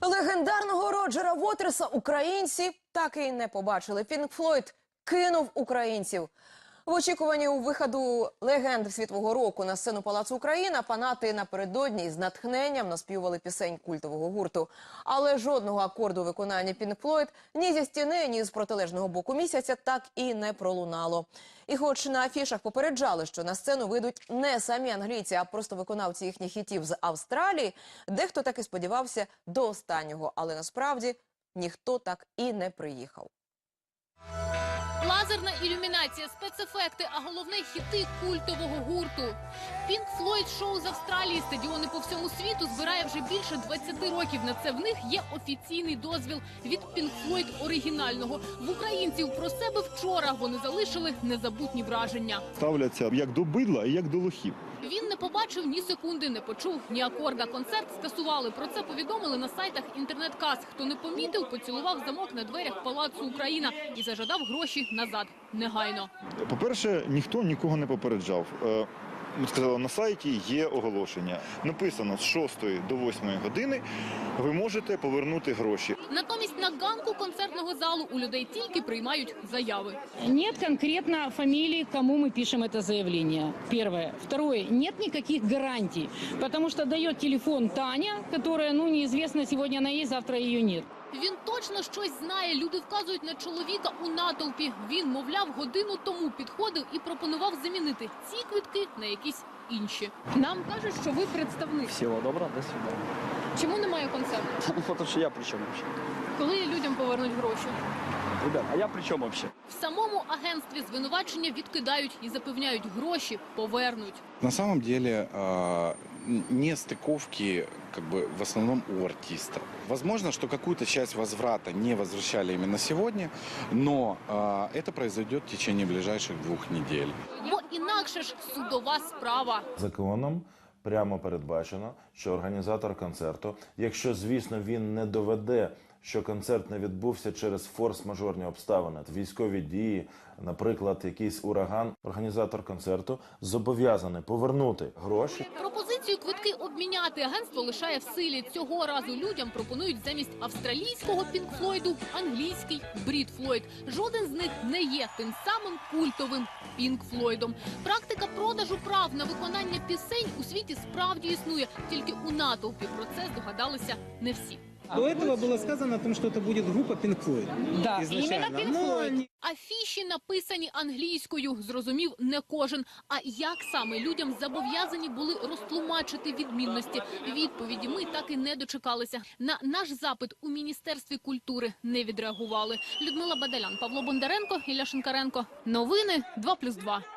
Легендарного Роджера Вотерса українці так і не побачили. Пінк Флойд кинув українців. В очікуванні у виходу легенд світового року на сцену Палацу Україна фанати напередодні з натхненням наспівали пісень культового гурту. Але жодного акорду виконання Пінк Флойд ні зі стіни, ні з протилежного боку місяця так і не пролунало. І хоч на афішах попереджали, що на сцену вийдуть не самі англійці, а просто виконавці їхніх хітів з Австралії, дехто так і сподівався до останнього. Але насправді ніхто так і не приїхав. Лазерна ілюмінація, спецефекти, а головне – хіти культового гурту. Пінк Флойд шоу з Австралії, стадіони по всьому світу збирає вже більше 20 років. На це в них є офіційний дозвіл від Пінк Флойд оригінального. В українців про себе вчора вони залишили незабутні враження. Ставляться як до бидла і як до лохів. Він не побачив ні секунди, не почув ні акорда. Концерт скасували. Про це повідомили на сайтах інтернет-кас. Хто не помітив, поцілував замок на дверях Палацу Україна і зажадав гроші назад. Негайно. По-перше, ніхто нікого не попереджав. Ми сказали, на сайті є оголошення. Написано, з 6 до 8 години ви можете повернути гроші. Натомість на ганку концертного залу у людей тільки приймають заяви. Нет конкретно фамилии, кому мы пишем это заявление. Первое. Второе. Нет никаких гарантий, потому что дает телефон Таня, которая, неизвестно, сегодня она есть, завтра ее нет. Він точно щось знає. Люди вказують на чоловіка у натовпі. Він, мовляв, годину тому підходив і пропонував замінити ці квитки на якісь інші. Нам кажуть, що ви представник. Всего доброго, до свидания. Чому немає концерту? Потому что я при чем вообще? Коли людям повернуть гроші? Ребят, а я при чем вообще? В самому агентстві звинувачення відкидають і запевняють, гроші повернуть. На самом деле нестыковки в основном у артиста. Возможно, что какую-то часть возврата не возвращали именно сегодня, но это произойдет в течение ближайших 2 недель. Бо інакше ж судова справа. Законом прямо передбачено, що організатор концерту, якщо, звісно, він не доведе, що концерт не відбувся через форс-мажорні обставини, військові дії, наприклад, якийсь ураган, організатор концерту зобов'язаний повернути гроші. Пропозицію квитки обміняти агентство лишає в силі. Цього разу людям пропонують замість австралійського Пінк Флойду англійський Брід Флойд. Жоден з них не є тим самим культовим Пінк Флойдом. Практика продажу прав на виконання пісень у світі справді існує. Тільки у натовпі про це здогадалися не всі. До этого было сказано о том, что это будет группа Pink Floyd. Да, изначально. именно Pink Floyd. Афіші написані англійською, зрозумів не кожен. А як саме людям зобов'язані були розтлумачити відмінності? Відповіді ми так і не дочекалися. На наш запит у Міністерстві культури не відреагували. Людмила Бадалян, Павло Бондаренко, Ілля Шинкаренко. Новини 2+2.